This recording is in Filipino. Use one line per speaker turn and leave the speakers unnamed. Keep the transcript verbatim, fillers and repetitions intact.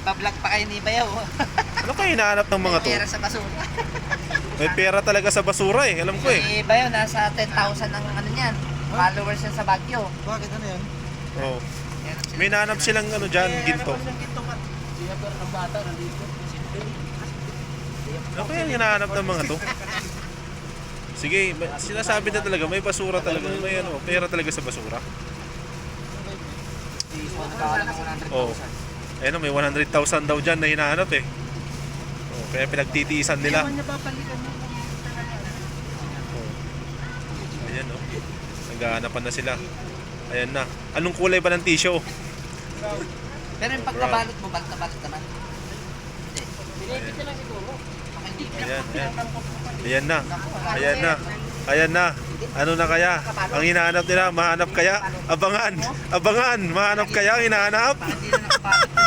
Nagbablog pa kayo ni Bayaw.
Ano kayo hinahanap ng mga to?
Pera sa basura.
May pera talaga sa basura eh, alam ko eh.
Si Bayaw, nasa ten thousand ang ano niyan. Followers yan sa Baguio.
Bakit ano yan?
Oh. May hinahanap silang ano dyan, ginto. Ano kaya yung hinahanap ng mga to? Sige, may- sinasabi na talaga, may basura talaga, may ano, pera talaga sa basura.
Nagkawala ng one hundred
Oh.
thousand.
Ayun, may one hundred thousand daw dyan na hinahanap eh. Oh, kaya pinagtitiisan nila. Oh. Ayan oh. Naghahanapan na sila. Ayan na. Anong kulay ba ng tissue?
Pero yung pagkabalot mo, balot na balot naman. Hindi.
Ayan, ayan. Ayan na. Ayan na. Ayan na. Ano na kaya? Ang hinahanap nila, mahanap kaya? Abangan! Abangan! Mahanap kaya ang hinahanap?
Hindi na nakabalot.